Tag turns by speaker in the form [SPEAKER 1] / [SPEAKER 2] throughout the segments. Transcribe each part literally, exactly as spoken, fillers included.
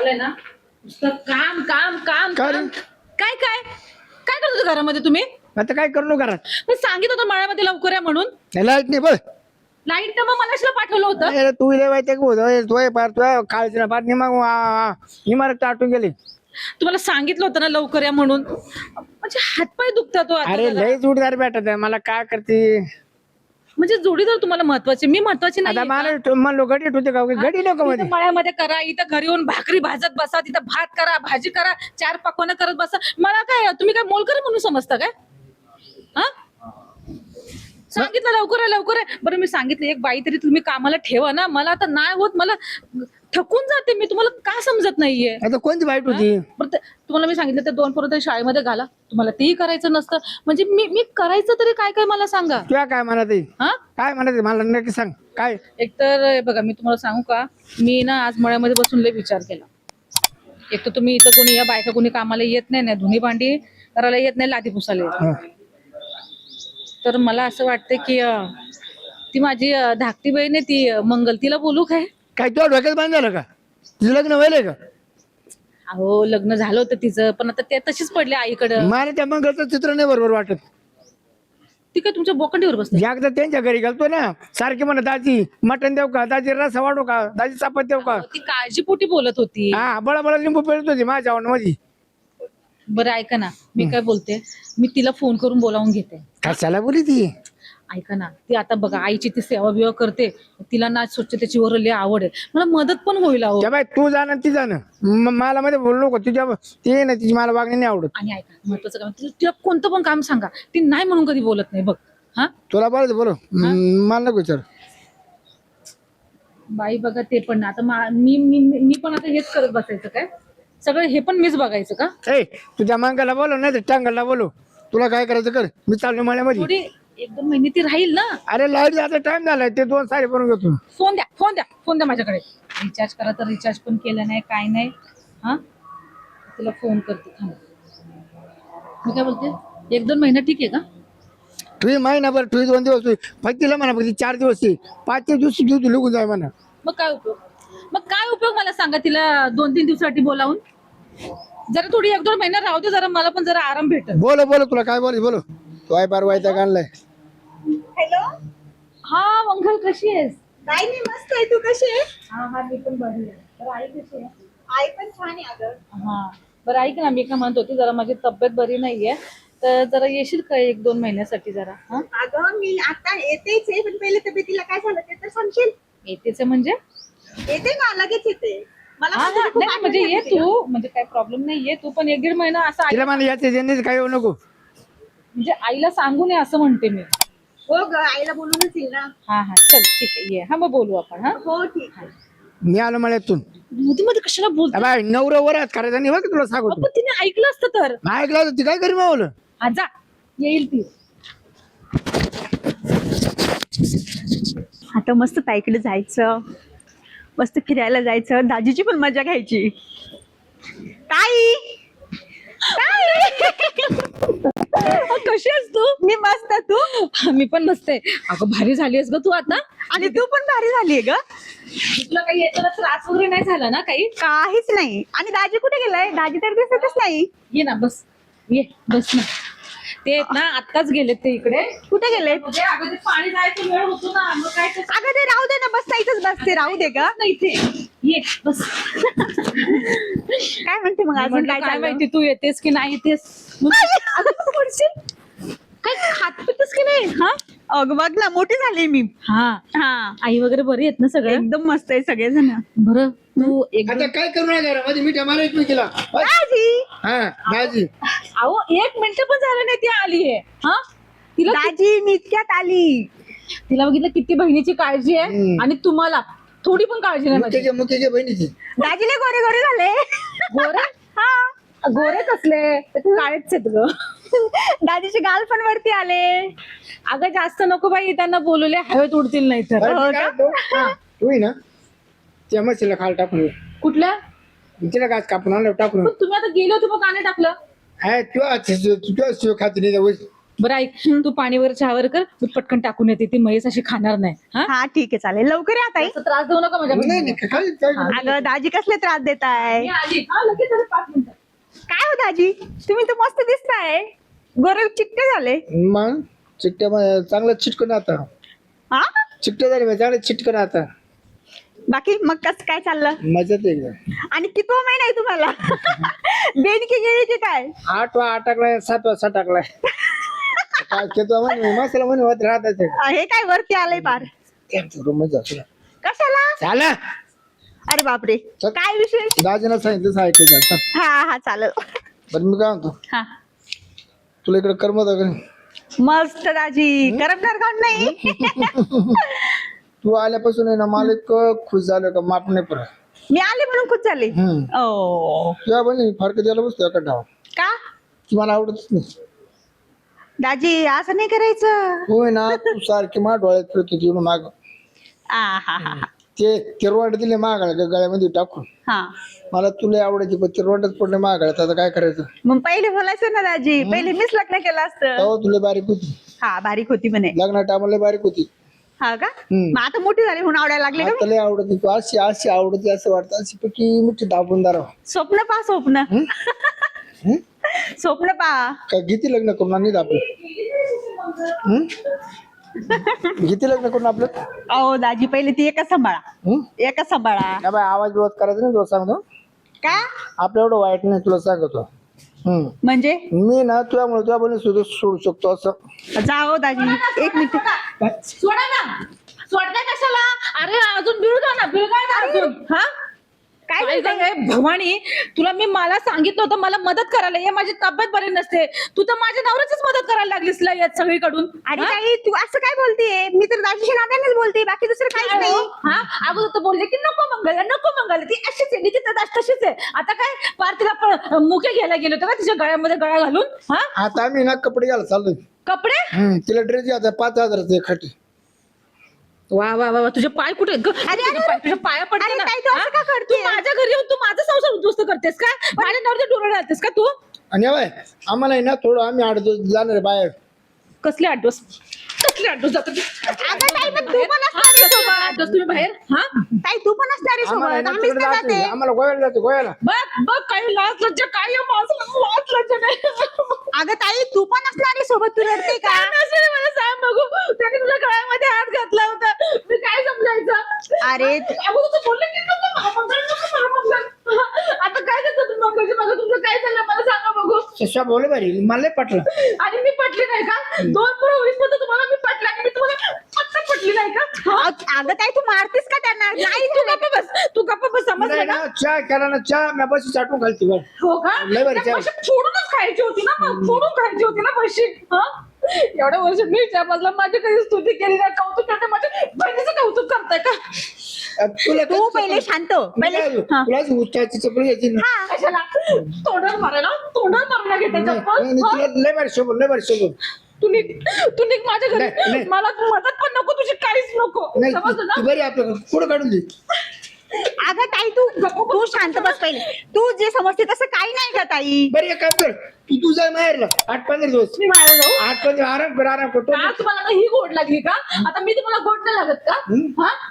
[SPEAKER 1] आहे ना नुसतं काम काम काम
[SPEAKER 2] काय रे?
[SPEAKER 1] काम. काय काय काय करत होते घरामध्ये तुम्ही?
[SPEAKER 2] आता काय करू घरात?
[SPEAKER 1] मी सांगितलं होतं मळ्यामध्ये लवकर या म्हणून.
[SPEAKER 2] लाईट नाही बघ.
[SPEAKER 1] लाईट तर मग मला शिला पाठवलं होतं.
[SPEAKER 2] अरे तू इले माहिती का तोय पार तुझ्या काळजी पार निमा निमारत टाटून गेली.
[SPEAKER 1] तुम्हाला सांगितलं होतं ना लवकर या म्हणून. म्हणजे हातपाय दुखतात हो आता
[SPEAKER 2] अरे
[SPEAKER 1] जरा.
[SPEAKER 2] लय जोडदार भेटत आहे मला काय करते.
[SPEAKER 1] म्हणजे जोडीदार तुम्हाला महत्वाचे, मी महत्वाची
[SPEAKER 2] आता
[SPEAKER 1] नाही.
[SPEAKER 2] मला म्हणलो गडीत होते का गडी नको मध्ये.
[SPEAKER 1] मळ्यामध्ये करा, इथं घरी येऊन भाकरी भाजत बसा, तिथं भात करा, भाजी करा, चार पकवानं करत बसा. मला काय तुम्ही काय मोलकर म्हणून समजता काय? हा सांगितलं लवकर आहे लवकर आहे. बरं मी सांगितलं एक बाई तरी तुम्ही कामाला ठेवा ना. मला आता नाही होत, मला थकून जाते मी. तुम्हाला का समजत नाहीये?
[SPEAKER 2] आता कोणती वाईट होती?
[SPEAKER 1] बरं ते- तुम्हाला मी सांगितलं ते दोन पोरं तरी शाळेमध्ये घाला, तुम्हाला तेही करायचं नसतं. म्हणजे मी मी करायचं तरी काय काय मला सांगा.
[SPEAKER 2] तुला काय म्हणत आहे?
[SPEAKER 1] हा
[SPEAKER 2] काय म्हणत आहे मला नक्की सांग काय?
[SPEAKER 1] एकतर हे बघा मी तुम्हाला सांगू का, मी ना आज मळ्यामध्ये बसून लय विचार केला. एक तर तुम्ही इथं कोणी या बायका कोणी कामाला येत नाही, ना धुनी भांडी करायला येत नाही, लादी पुसायला येत नाही.
[SPEAKER 2] हा.
[SPEAKER 1] तर मला असं वाटतं की अं, ती माझी अं, धाकटी बहीण आहे ती अं, मंगल, तिला बोलू काय?
[SPEAKER 2] काय तुला डोक्यात बांध झालं का? तुझं लग्न व्हायलंय का?
[SPEAKER 1] अहो लग्न झालं होतं तिचं, पण आता ते तशीच पडले आईकडं.
[SPEAKER 2] मला त्या मंगळचं चित्र नाही बरोबर वाटत.
[SPEAKER 1] ती काय तुमच्या बोकंडीवर बसते?
[SPEAKER 2] एकदा त्यांच्या घरी गेलतो ना, सारखी म्हणत दाजी मटण देऊ का, दाजी रसा वाढू का, दाजी चपात देऊ का.
[SPEAKER 1] ती काळजीपोटी बोलत होती.
[SPEAKER 2] हा बळा बळा लिंबू पेरत होती माझ्या मध्ये.
[SPEAKER 1] बरं ऐका ना, मी काय बोलते, मी तिला फोन करून बोलावून घेते.
[SPEAKER 2] कशाला बोली ती?
[SPEAKER 1] ऐका ना, ती आता बघा आईची ती सेवा बिवा करते, तिला ना स्वच्छतेची वर लय आवड आहे, मला मदत पण होईल अहो.
[SPEAKER 2] त्या बाई तू जाणं ती जाणं म- मला मध्ये बोलू नको तुझ्या ते ना तिची मला वागणी नाही आवडत.
[SPEAKER 1] आणि ऐका महत्वाचं काम, तिला तिला कोणतं पण काम सांगा, ती नाही म्हणून कधी बोलत नाही बघ. हा
[SPEAKER 2] तुला बोलायचं बोलो मला नको विचार.
[SPEAKER 1] बाई बघा ते पण ना, आता मा- मी मी मी पण आता हेच करत बसायचं काय? सगळं हे पण मीच बघायचं का?
[SPEAKER 2] ए तुझ्या मांगाला बोलो नाही तर टांगाला बोलो, तुला काय करायचं कर, मी चाललो माझ्यामध्ये.
[SPEAKER 1] थोडी एक दोन महिने ती राहील ना.
[SPEAKER 2] अरे लाईट आता टाइम झालाय, ते दोन साडी बनवून घेतो.
[SPEAKER 1] फोन द्या फोन द्या फोन द्या माझ्याकडे. रिचार्ज करा तर रिचार्ज पण केलं नाही, काय नाही. हा तिला फोन करते थांब. मी काय बोलते, एक दोन महिना ठीक आहे का?
[SPEAKER 2] तुझी महिनाभर तुझी दोन दिवस तुझी फक्त तिला म्हणा फक्त चार दिवस ती पाचच्या दिवशी घेऊ तू लिहून जाय म्हणा.
[SPEAKER 1] मग काय उपयोग? मग काय उपयोग मला सांगा, तिला दोन तीन दिवसासाठी बोलावून. जरा थोडी एक दोन महिना राहू दे, जरा मला पण जरा आराम भेटेल.
[SPEAKER 2] बोलो बोलो तुला काय बोलायचं बोलो. तू आहे बार वायता आणलाय.
[SPEAKER 3] हॅलो.
[SPEAKER 1] हा मंगल कशी आहेस?
[SPEAKER 3] काय नाही, मस्त आहे. तू कशी आहे?
[SPEAKER 1] हा हा मी पण बरी आहे. बरं आई कशी आहे?
[SPEAKER 3] आई पण छान आहे अगं.
[SPEAKER 1] हा बरं ऐक ना, मी काय म्हणत होती, जरा माझी तब्येत बरी नाहीये, तर जरा येशील का एक दोन महिन्यासाठी जरा? हा
[SPEAKER 3] अगं मी आता येतेच आहे, पण पहिले तब्येतीला काय झालं ते तर सांगशील?
[SPEAKER 1] येतेच आहे म्हणजे?
[SPEAKER 3] येते ना, लगेच येते. मला
[SPEAKER 1] हा
[SPEAKER 3] पण
[SPEAKER 1] हा
[SPEAKER 3] तुझी खूप
[SPEAKER 1] नाही
[SPEAKER 3] आठवण
[SPEAKER 1] म्हणजे ये
[SPEAKER 3] येते तुझी.
[SPEAKER 1] तू, म्हणजे काय प्रॉब्लेम नाही, ये तू, पण एक दीड महिना असं आई-
[SPEAKER 2] तिला म्हणा याचे ज्यांनी काही होऊ नको.
[SPEAKER 1] म्हणजे आईला सांगू नये असं म्हणते मी.
[SPEAKER 3] हो ग, आईला बोलूनच येईल ना.
[SPEAKER 1] हा हा चल ठीक आहे, ये. हा मग बोलू आपण. हा
[SPEAKER 3] हो ठीक आहे.
[SPEAKER 2] मी आलो मळ्यातून.
[SPEAKER 1] मध्ये मध्ये कशाला बोलतो?
[SPEAKER 2] बाय नवरा वरात करायचा नाही बघ तुला सांगतो.
[SPEAKER 1] पण तिने ऐकलं असतं तर.
[SPEAKER 2] नाही ऐकलं होतं, ती काय करी मावलं.
[SPEAKER 1] हा जा, येईल ती.
[SPEAKER 4] आता मस्त ताईकडे जायचं, मस्त फिरायला जायचं, दाजीची पण मजा घ्यायची. ताई
[SPEAKER 1] कशी आहेस तू?
[SPEAKER 4] मी मस्त, तू?
[SPEAKER 1] मी पण मस्त आहे. अगं भारी झालीस ग तू आता.
[SPEAKER 4] आणि तू पण भारी झालीये ग.
[SPEAKER 1] तुला काही याचा त्रास वगैरे नाही झाला ना काही?
[SPEAKER 4] काहीच नाही. आणि दाजी कुठे गेलाय? दाजी तर दिसतच नाही.
[SPEAKER 1] ये ना बस, ये बस ना. ते आहेत ना आत्ताच गेलेत ते इकडे.
[SPEAKER 4] कुठे गेले?
[SPEAKER 1] म्हणजे अगं ते पाणी जायचं वेळ होतो ना, मग काय ते-
[SPEAKER 4] अगं ते राहू दे ना, बस इथंच बसते, राहू दे ग.
[SPEAKER 1] नाही ते ये बस.
[SPEAKER 4] काय म्हणते मग अजून?
[SPEAKER 1] म्हटलं
[SPEAKER 4] काय
[SPEAKER 1] काय
[SPEAKER 4] चाललंय?
[SPEAKER 1] माहिती तू येतेस की नाही येतेस. मग- अगं तू पडशील. काय खात पितेस की नाही? हा
[SPEAKER 4] अगं बघ ना, मोठी झाली मी.
[SPEAKER 1] हा
[SPEAKER 4] हा
[SPEAKER 1] आई वगैरे बरी आहेत ना सगळे?
[SPEAKER 4] एकदम मस्त आहे सगळेजण.
[SPEAKER 1] बरं तू एक
[SPEAKER 2] आता काय करू नये घरामध्ये मिठ्या मारा एक केला.
[SPEAKER 4] दाजी
[SPEAKER 2] हा दाजी
[SPEAKER 1] अहो एक मिनिट पण झालं नाही ती आलीये. हा तिला
[SPEAKER 4] दाजी मी इतक्यात आली.
[SPEAKER 1] तिला बघितलं किती बहिणीची काळजी आहे,
[SPEAKER 2] हम्म.
[SPEAKER 1] आणि तुम्हाला थोडी पण काळजी नाही माझी.
[SPEAKER 2] मुख्याच्या मुख्याच्या बहिणीची.
[SPEAKER 4] दाजीले गोरे गोरे झाले.
[SPEAKER 1] गोरे
[SPEAKER 4] हा
[SPEAKER 1] गोरेच असले तर ते काळेच आहेत ग.
[SPEAKER 4] दाजीचे गाल पण वरती आले.
[SPEAKER 1] अगं जास्त नको बाई, त्यांना बोलवले हवेत उडतील नाही तर.
[SPEAKER 2] बरं,
[SPEAKER 4] हो
[SPEAKER 2] मी काय
[SPEAKER 4] का?
[SPEAKER 2] म्हणतो?
[SPEAKER 1] हा.
[SPEAKER 2] तू आहे ना त्या मशीला खाल टाकून ये.
[SPEAKER 1] कुठल्या?
[SPEAKER 2] तिला गाছ कापून आणलं टाकून.
[SPEAKER 1] पण तुम्ही आता गेले होते मग का नाही टाकलं?
[SPEAKER 2] आहे तुझ्या तुझ्या शिव खाती नाही जाऊ.
[SPEAKER 1] बरं ऐक, तू पाणीवर चहावर कर, मी पटकन टाकून येते. ती महेश अशी खाणार नाही. हा
[SPEAKER 4] हा ठीक आहे चालेल, लवकर या ताई.
[SPEAKER 1] जास्त त्रास देऊ नका माझ्या
[SPEAKER 2] नाही
[SPEAKER 1] बहिणीला.
[SPEAKER 2] नाही काय काय-
[SPEAKER 4] अगं दाजी कसले त्रास देताय?
[SPEAKER 1] मी आली. हा, लगेच आले, पाच मिनिटं.
[SPEAKER 4] काय हो दाजी, तुम्ही तर मस्त दिसताय, गोरे चिट्टे झाले.
[SPEAKER 2] मग चिकट्या मा- चांगलं चिटकून आता
[SPEAKER 4] हा
[SPEAKER 2] चिकट्या झाली चांगलं चिटकून आता
[SPEAKER 4] बाकी मग कसं काय चाललं?
[SPEAKER 2] मजाच एकदम.
[SPEAKER 4] आणि कितवा महिना आहे तुम्हाला? देणकी गेली की काय?
[SPEAKER 2] आठवा आटाकलाय सातवा सटाकलाय काय खेतो म्हणे मसाला म्हणे होत राहतात
[SPEAKER 4] हे काय वरती आलंय पार?
[SPEAKER 2] रूम जातो
[SPEAKER 4] कशाला?
[SPEAKER 2] झालं
[SPEAKER 4] अरे बापरे,
[SPEAKER 2] चल.
[SPEAKER 4] काय विशेष?
[SPEAKER 2] दाजीनं सांगितलं सांगायचं जातं.
[SPEAKER 4] हा हा चालेल.
[SPEAKER 2] बरं मी काय म्हणतो
[SPEAKER 4] हा
[SPEAKER 2] तुला इकडे करमत का?
[SPEAKER 4] मस्त दाजी, करमणार कोण नाही.
[SPEAKER 2] तू आल्यापासून आहे ना मला इतकं खुश झालं का माप नाही परत.
[SPEAKER 4] मी आले म्हणून खुश झाले.
[SPEAKER 2] हम्म
[SPEAKER 4] ओ
[SPEAKER 2] तुझ्या बहिणी फरक द्यायला बसतो एका डाव
[SPEAKER 4] का
[SPEAKER 2] मला आवडतच नाही.
[SPEAKER 4] दाजी असं नाही करायचं.
[SPEAKER 2] होय ना तू सारखी मा डोळ्यात फिरत होती म्हणून माग
[SPEAKER 4] आ, हा हा हा
[SPEAKER 2] ते तिरवाड दिले मागायला गळ्यामध्ये टाकून.
[SPEAKER 4] हा
[SPEAKER 2] मला तुला आवडायची पण तिरवाडच पडले मागायला आता काय करायचं.
[SPEAKER 4] मग पहिले बोलायचं ना दाजी, पहिले मीच लग्न केलं असतं.
[SPEAKER 2] तेव्हा तुला बारीक होती
[SPEAKER 4] हा बारीक होती म्हणे.
[SPEAKER 2] लग्ना टायमाला बारीक होती.
[SPEAKER 4] हा का?
[SPEAKER 2] हम्म.
[SPEAKER 4] मग आता मोठी झाली म्हणून आवडायला लागले का?
[SPEAKER 2] आता लय आवडती तू अशी अशी आवडती असं वाटतं अशी पैकी मिठी दाबून दाराव.
[SPEAKER 4] स्वप्न पा स्वप्न
[SPEAKER 2] हम्म?
[SPEAKER 4] स्वप्न पा.
[SPEAKER 2] काय किती लग्न करून आणि आपलं हम्म? किती लग्न करून आपलं
[SPEAKER 4] अहो दाजी पहिले ती एकच सांभाळा,
[SPEAKER 2] हम्म?
[SPEAKER 4] एकच सांभाळा.
[SPEAKER 2] या बाय आवाज विरोध करायचा नाही तुला सांगतो.
[SPEAKER 4] का
[SPEAKER 2] आपलं एवढं वाईट नाही तुला सांगतो. हम्म
[SPEAKER 4] म्हणजे?
[SPEAKER 2] मी ना तुझ्यामुळे तुझ्या बहिणी सुद्धा सोडू शकतो असं.
[SPEAKER 4] जाओ दाजी एक मिनिट.
[SPEAKER 1] सोडा ना, सोडताय कशाला? अरे अजून बिळगा ना, बिळगा ना अजून. हा
[SPEAKER 4] काय
[SPEAKER 1] काय
[SPEAKER 4] बोलताय?
[SPEAKER 1] झालंय भवानी, तुला मी मला सांगितलं होतं मला मदत करायला ये, माझी तब्येत बरी नसते. तू तर माझ्या नवऱ्याचीच मदत करायला लागलीस ला यात सगळीकडून.
[SPEAKER 4] अरे
[SPEAKER 1] हा?
[SPEAKER 4] ताई तू असं काय बोलतेय? मी तर दाजीच्या नात्यानेच बोलते, बाकी दुसरं काहीच
[SPEAKER 1] काय
[SPEAKER 4] नाही.
[SPEAKER 1] हो? हा अगोदर तर बोलले की नको मंगला, नको मंगला, ती अशीच आहे, ती तर तशीच आहे. आता काय पार तिला पण मुके घ्यायला गेलो होतो का तिच्या गळ्यामध्ये गळा घालून? हा
[SPEAKER 2] आता आम्ही ना कपडे घ्यायला चाललोय.
[SPEAKER 1] कपडे?
[SPEAKER 2] हम्म तिला ड्रेस घ्यायचा पाच हजाराचे खाटी.
[SPEAKER 1] वा वा वा वा, तुझे पाय कुठे ग?
[SPEAKER 4] अरे,
[SPEAKER 1] तुझे पाय- तुझ्या पाया पडते
[SPEAKER 4] अरे
[SPEAKER 1] ना.
[SPEAKER 4] ताई, तू असं
[SPEAKER 1] हा?
[SPEAKER 4] का करतेय?
[SPEAKER 1] तू माझ्या घरी येऊन तू माझा संसार उद्ध्वस्त करतेस का? माझ्या नवऱ्याच्या डोळे घालतेस का तू?
[SPEAKER 2] आणि बाय आम्हाला आहे ना थोडं आम्ही आठ दिवस जाणार आहे बाहेर.
[SPEAKER 1] कसले आठ दिवस कसले आठ दिवस जातात?
[SPEAKER 4] अगं ताई, पण तू पण असणार आहे
[SPEAKER 1] कसले
[SPEAKER 4] सोबत.
[SPEAKER 1] आठ दिवस तुम्ही बाहेर? हा
[SPEAKER 4] ताई तू पण असणार आहे
[SPEAKER 2] आम्हाला आहे
[SPEAKER 4] सोबत,
[SPEAKER 2] ना
[SPEAKER 4] आम्हीच
[SPEAKER 2] तिकडे
[SPEAKER 4] तर
[SPEAKER 2] जायचं आहे.
[SPEAKER 4] जाते.
[SPEAKER 2] आम्हाला गोव्याला जायचं गोव्याला.
[SPEAKER 1] बघ बघ काही लाज लज्जा काय आहे माझं, लाज लज्जा नाही.
[SPEAKER 4] अगं ताई तू पण असणार आहे सोबत, तू रडते का?
[SPEAKER 1] काय नसेल मला सांग बघू, त्याने तुझ्या गळ्यामध्ये हात घातला होता, मी काय समजायचं?
[SPEAKER 4] अरे
[SPEAKER 1] अगोदर तू बोलले की नको महामंगळ, नको महामंगळ. आता काय करतो तुम्ही मंगळची मागं, तुमचं काय झालं मला सांगा बघू.
[SPEAKER 2] शशा बोले बारी मला लय पटलं.
[SPEAKER 1] आणि मी पटली नाही का? दोन पुढे होईस तर तुम्हाला मी पटला आणि मी तुम्हाला पटकन पटली नाही का? हा?
[SPEAKER 4] अग- अगं ताई तू मारतेस का त्यांना?
[SPEAKER 1] नाही तू गप्प बस, तू गप्प बस,
[SPEAKER 2] नाही
[SPEAKER 1] समजलं
[SPEAKER 2] ना
[SPEAKER 1] ना?
[SPEAKER 2] चहा केला ना चहा मी बस चाटून घालते बरं.
[SPEAKER 1] हो का?
[SPEAKER 2] लय भारी
[SPEAKER 1] त्या
[SPEAKER 2] चहा.
[SPEAKER 1] म्हशी फोडूनच खायची होती ना, मग फोडून खायची होती ना म्हशी. हा? एवढ्या वर्ष मी त्या बाजूला माझी कधी स्तुती केली नाही, कौतुक करते, माझ्या बहिणीचं कौतुक करताय का?
[SPEAKER 2] अब तुला
[SPEAKER 4] तू
[SPEAKER 2] कसं-
[SPEAKER 4] पहिले शांत हो.
[SPEAKER 2] मी
[SPEAKER 4] पहिले
[SPEAKER 2] काय बोलू?
[SPEAKER 4] हा.
[SPEAKER 2] तुला जी उच्चाची चपली घ्यायची ना.
[SPEAKER 4] हा.
[SPEAKER 1] कशाला तोंडावर मारायला, तोंडावर मारायला घेते
[SPEAKER 2] नाही,
[SPEAKER 1] चप्पल?
[SPEAKER 2] नाही,
[SPEAKER 1] हा?
[SPEAKER 2] तुला लय भारी शोभून लय भारी शोभून.
[SPEAKER 1] तू निघ, तू निघ माझ्या
[SPEAKER 2] नाही,
[SPEAKER 1] घरी.
[SPEAKER 2] नाही.
[SPEAKER 1] मला मदत पण नको, तुझी काहीच नको,
[SPEAKER 2] नाही
[SPEAKER 1] समजलं
[SPEAKER 2] तू
[SPEAKER 1] ना?
[SPEAKER 2] तू बरी आपलं पुढे काढून दे.
[SPEAKER 4] अगं ताई तू तू शांत बस पहिले. तू जे समजते तसं काही नाही का ताई?
[SPEAKER 2] बरं एक काम कर तू तू जाय माहेरला आठ पंधरा दिवस.
[SPEAKER 1] मी बाहेर जाऊ.
[SPEAKER 2] आठ पंधरा आराम कर आराम करतो.
[SPEAKER 1] का तुम्हाला आता ही गोड लागली का? आता मी तुम्हाला गोड नाही लागत का?
[SPEAKER 2] हम्म.
[SPEAKER 1] हा?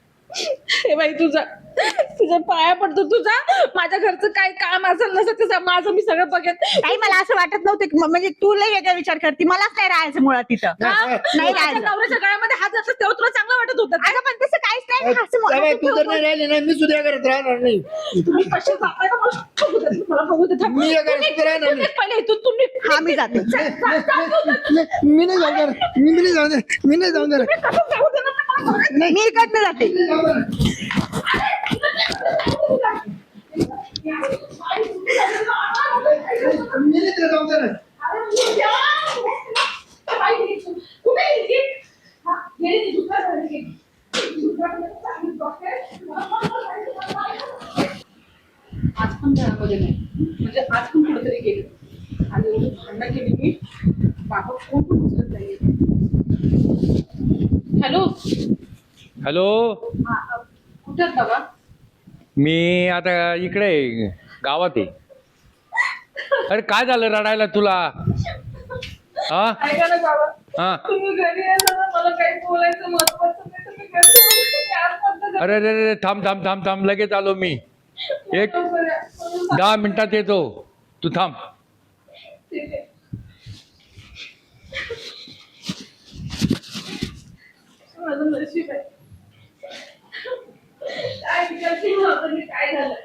[SPEAKER 1] हे बाई तुझा तुझ्या पाया पडतो, तुझा माझ्या घरचं काय काम असेल नसेल ते सा- माझं मी सगळं बघेन.
[SPEAKER 4] ताई मला असं वाटत नव्हतं की म्हणजे तू लय वेगळा विचार करते. मलाच नाही राहायचं मुळात तिथं.
[SPEAKER 1] हा?
[SPEAKER 2] नाही,
[SPEAKER 4] नाही
[SPEAKER 1] माझ्या
[SPEAKER 4] राहायचं.
[SPEAKER 1] नवऱ्याच्या गळ्यामध्ये हात घातला तेव्हा तुला चांगलं वाटत होतं का?
[SPEAKER 4] अगं पण तसं काहीच नाही ना, असं
[SPEAKER 2] जाय बाई, तू जर
[SPEAKER 4] मला-
[SPEAKER 2] नाही राहिली नाही मी सुद्धा या घरात राहणार नाही.
[SPEAKER 1] तुम्ही कसे जाताय का मला बघू दे, मला बघू दे. थांब.
[SPEAKER 2] मी या घरात
[SPEAKER 1] तुम्ही-
[SPEAKER 2] सुद्धा राहणार
[SPEAKER 1] तुम्ही
[SPEAKER 2] नाही.
[SPEAKER 1] पहिले इथून तुम्ही
[SPEAKER 4] हा मी जाते.
[SPEAKER 2] नाही, मी नाही जाऊन देणार मी मी नाही जाऊन देणार मी नाही जाऊन देणार
[SPEAKER 1] कसं जाऊ दे ना ते मला बघू दे.
[SPEAKER 4] मी इकडनं जाते.
[SPEAKER 2] मी नाही तिला जाऊन देणार.
[SPEAKER 1] कुठे गेली? हा, गेली ती दुकानावर गेली. आज पण घरामध्ये नाही, म्हणजे आज पण कुठेतरी गेली आणि एवढी भांडणं केली मी, बाबा कोण पण उचलत नाही. हॅलो,
[SPEAKER 5] हॅलो,
[SPEAKER 1] कुठे आहेत बाबा?
[SPEAKER 5] मी आता इकडे आहे, गावात आहे. अरे काय झालं रडायला तुला? हा
[SPEAKER 1] ऐका ना बाबा,
[SPEAKER 5] हा
[SPEAKER 1] तुम्ही घरी यायला ना, मला काही बोलायचं महत्वाचं नाही, तुम्ही घरी येऊन चार पद्धत
[SPEAKER 5] अरे अरे अरे थांब थांब थांब थांब लगेच आलो मी एक
[SPEAKER 1] लवकर या. म्हणून
[SPEAKER 5] दहा मिनिटात येतो तू थांब
[SPEAKER 1] ठीक आहे. माझं नशीब आहे. काय विचार केला होता मी, काय झालं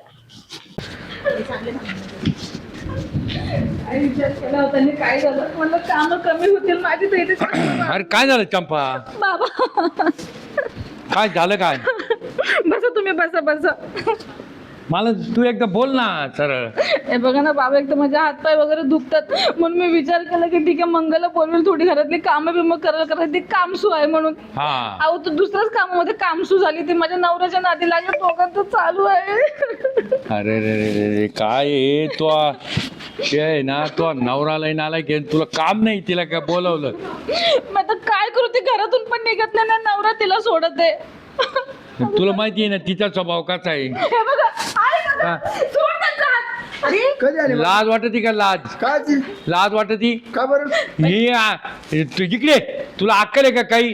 [SPEAKER 1] काय विचार केला होता आणि काय झालं म्हणलं काम कमी होतील माझी तर इथे
[SPEAKER 5] अरे काय झालं चंपा
[SPEAKER 1] बाबा
[SPEAKER 5] काय झालं काय
[SPEAKER 1] बसा तुम्ही, बसा बसा.
[SPEAKER 5] मला तू एकदा बोल ना सरळ
[SPEAKER 1] हे बघा ना बाबा, एक तर माझे हातपाय वगैरे दुखतात, म्हणून मी विचार केला की ठीक आहे मंगलला बोलवेल, थोडी घरातली कामं बिमं करायला करायला ती कामसू आहे म्हणून.
[SPEAKER 5] हा
[SPEAKER 1] अहो तर दुसऱ्याच कामामध्ये कामसू झाली, ती माझ्या नवऱ्याच्या नादी लागली, दोघांचं चालू आहे.
[SPEAKER 5] अरे रे रे रे रे काय आहे तो ते आहे ना तो नवराला नाला की तुला काम नाही तिला काय बोलवलं
[SPEAKER 1] मग आता काय करू, ती घरातून पण निघत नाही ना, नवरा तिला सोडत आहे.
[SPEAKER 5] तुला माहिती आहे ना तिचा स्वभाव कसा आहे
[SPEAKER 1] हे बघा, आहे का
[SPEAKER 5] हा.
[SPEAKER 1] गं? सोड त्यांचा हात. अरे
[SPEAKER 2] कधी आले
[SPEAKER 5] लाज वाटती का लाज
[SPEAKER 2] काय ती?
[SPEAKER 5] लाज वाटती
[SPEAKER 2] का बरं
[SPEAKER 5] ही आ, तू इकडे तुला अक्कल आहे का काही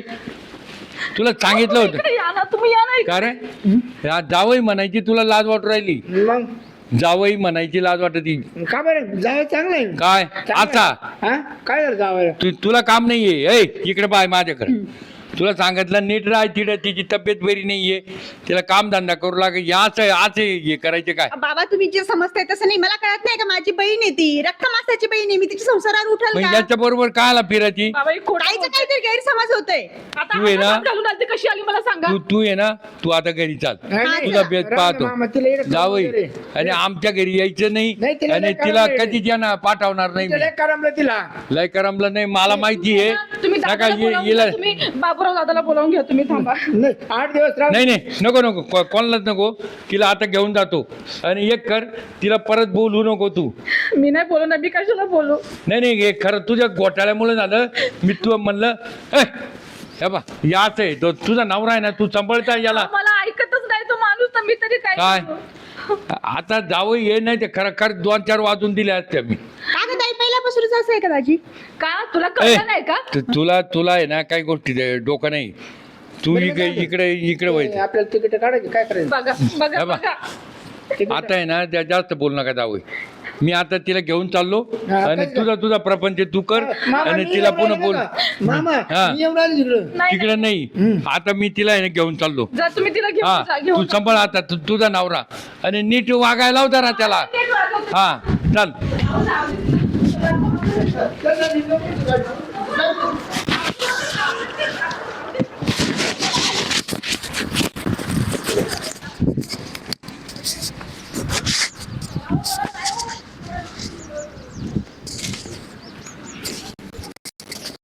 [SPEAKER 5] तुला सांगितलं होतं
[SPEAKER 1] इकडे या ना, तुम्ही या ना इकडे.
[SPEAKER 5] का रे या जावई म्हणायची तुला लाज वाटू राहिली
[SPEAKER 2] मग
[SPEAKER 5] जावई म्हणायची लाज वाटती
[SPEAKER 2] का बरं जावं चांगलं आहे
[SPEAKER 5] काय आता
[SPEAKER 2] हा काय झालं जावं
[SPEAKER 5] तू तुला काम नाहीये ऐ इकडे पाय माझ्याकडे तुला सांगितलं नीट राह तिकडे तिची तब्येत बरी नाहीये तिला काम धंदा करू लागे याच आज हे करायचे काय
[SPEAKER 3] बाबा तुम्ही जे समजताय तसं नाही, मला कळत नाही का माझी बहीण आहे ती, रक्त मासाची बहीण आहे मी, तिच्या संसारावर उठल
[SPEAKER 5] मग
[SPEAKER 3] का?
[SPEAKER 5] याच्या बरोबर कायला फिरायची
[SPEAKER 1] बाबा ही खोटं
[SPEAKER 3] काहीच
[SPEAKER 1] बोलते.
[SPEAKER 3] काहीतरी गैरसमज होतोय.
[SPEAKER 1] आता
[SPEAKER 5] तू आहे ना?
[SPEAKER 1] हातात घालून आली ती कशी आली मला सांगा.
[SPEAKER 5] तू तू आहे ना तू आता घरी चाल
[SPEAKER 2] नाही, नाही.
[SPEAKER 5] तुझा बेत
[SPEAKER 2] राम
[SPEAKER 5] पाहतो
[SPEAKER 2] मामा, तिला इकडे
[SPEAKER 5] जावई
[SPEAKER 2] वगैरे.
[SPEAKER 5] आणि आमच्या घरी यायचं
[SPEAKER 2] नाही,
[SPEAKER 5] नाही
[SPEAKER 2] तिला
[SPEAKER 5] आणि
[SPEAKER 2] लय
[SPEAKER 5] तिला
[SPEAKER 2] करमलं.
[SPEAKER 5] कधी ज्यांना पाठवणार नाही
[SPEAKER 2] तिला
[SPEAKER 5] मी.
[SPEAKER 2] लय करमलं तिला
[SPEAKER 5] लय करमलं नाही मला माहिती आहे
[SPEAKER 1] तुम्ही
[SPEAKER 5] नका
[SPEAKER 1] दादाला
[SPEAKER 5] ये-
[SPEAKER 1] बोलावून
[SPEAKER 5] येला
[SPEAKER 1] घ्या, तुम्ही बाबूराव दादाला बोलावून घ्या, तुम्ही थांबा.
[SPEAKER 2] नाही आठ दिवस राहू
[SPEAKER 5] नाही नाही नको नको को- कोणालाच नको तिला आता घेऊन जातो आणि एक कर तिला परत बोलू नको तू
[SPEAKER 1] मी नाही बोलू ना, मी कशाला बोलू.
[SPEAKER 5] नाही नाही हे खरं तुझ्या घोटाळ्यामुळे झालं मी तू म्हणलं "ए, हे बा याच आहे तो तुझा नवरा आहे ना तू सांभाळता याला
[SPEAKER 1] मला ऐकतच नाही तो माणूस, तर मी तरी काय
[SPEAKER 5] काय?
[SPEAKER 1] करू?
[SPEAKER 5] आता जावं ये नाही ते खरं खरं दोन चार वाजून दिले असते मी
[SPEAKER 3] का गं ताई, पहिल्यापासूनच असं आहे का दाजी?
[SPEAKER 1] का तुला
[SPEAKER 5] ए,
[SPEAKER 1] कळलं नाही का?
[SPEAKER 5] तु- तुला तुला आहे ना काही गोष्टी दे- डोकं नाही तू इकडे इकडे इकडे व्हायचं
[SPEAKER 2] आपल्याला तिकीट काढायची काय करायचं
[SPEAKER 1] बघा बघा
[SPEAKER 5] हे बा.
[SPEAKER 1] बघा.
[SPEAKER 2] तिकीट
[SPEAKER 5] आता आहे ना त्या जास्त बोल नका जावं मी आता तिला घेऊन चाललो
[SPEAKER 2] हा,
[SPEAKER 5] आणि
[SPEAKER 2] काय-
[SPEAKER 5] तुझा तुझा प्रपंच तू कर
[SPEAKER 2] मामा,
[SPEAKER 5] आणि
[SPEAKER 2] मी
[SPEAKER 5] तिला
[SPEAKER 2] एवढं
[SPEAKER 5] पुन्हा
[SPEAKER 2] आले
[SPEAKER 5] बोल
[SPEAKER 2] का? मामा
[SPEAKER 5] हा.
[SPEAKER 2] मी एवढं आले तिकडं
[SPEAKER 1] नाही
[SPEAKER 5] तिकडे नाही आता मी तिला आहे ना घेऊन चाललो
[SPEAKER 1] जा तुम्ही तिला घेऊन
[SPEAKER 5] हा
[SPEAKER 1] जा,
[SPEAKER 5] तू
[SPEAKER 1] घेऊन जा.
[SPEAKER 5] सांभाळ आता तू तुझा नवरा आणि नीट वागायला लाव जरा त्याला
[SPEAKER 1] नीट वागव.
[SPEAKER 5] हा चल
[SPEAKER 2] चल, चल, चल, चल.